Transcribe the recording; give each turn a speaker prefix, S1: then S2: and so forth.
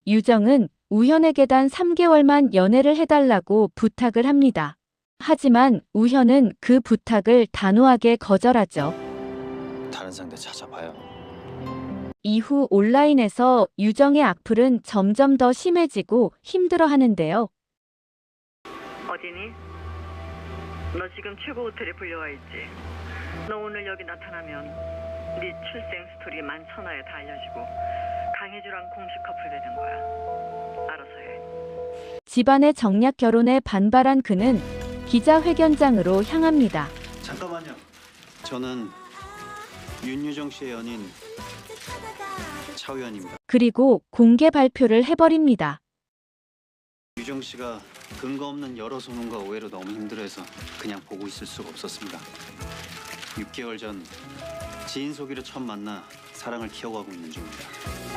S1: 유정은 우현에게 단 3개월만 연애를 해달라고 부탁을 합니다. 하지만 우현은 그 부탁을 단호하게 거절하죠.
S2: 다른 상대 찾아봐요.
S1: 이후 온라인에서 유정의 악플은 점점 더 심해지고 힘들어하는데요.
S3: 어디니? 너 지금 최고 호텔에 불려와 있지? 너 오늘 여기 나타나면 네 출생 스토리 만천하에 다 알려지고 강혜주랑 공식 커플 되는 거야. 알아서 해.
S1: 집안의 정략 결혼에 반발한 그는 기자회견장으로 향합니다.
S4: 잠깐만요. 저는 윤유정 씨의 연인 차우현입니다.
S1: 그리고 공개 발표를 해버립니다.
S4: 유정 씨가 근거 없는 여러 소문과 오해로 너무 힘들어해서 그냥 보고 있을 수가 없었습니다. 6개월 전 지인 소개로 처음 만나 사랑을 키워가고 있는 중입니다.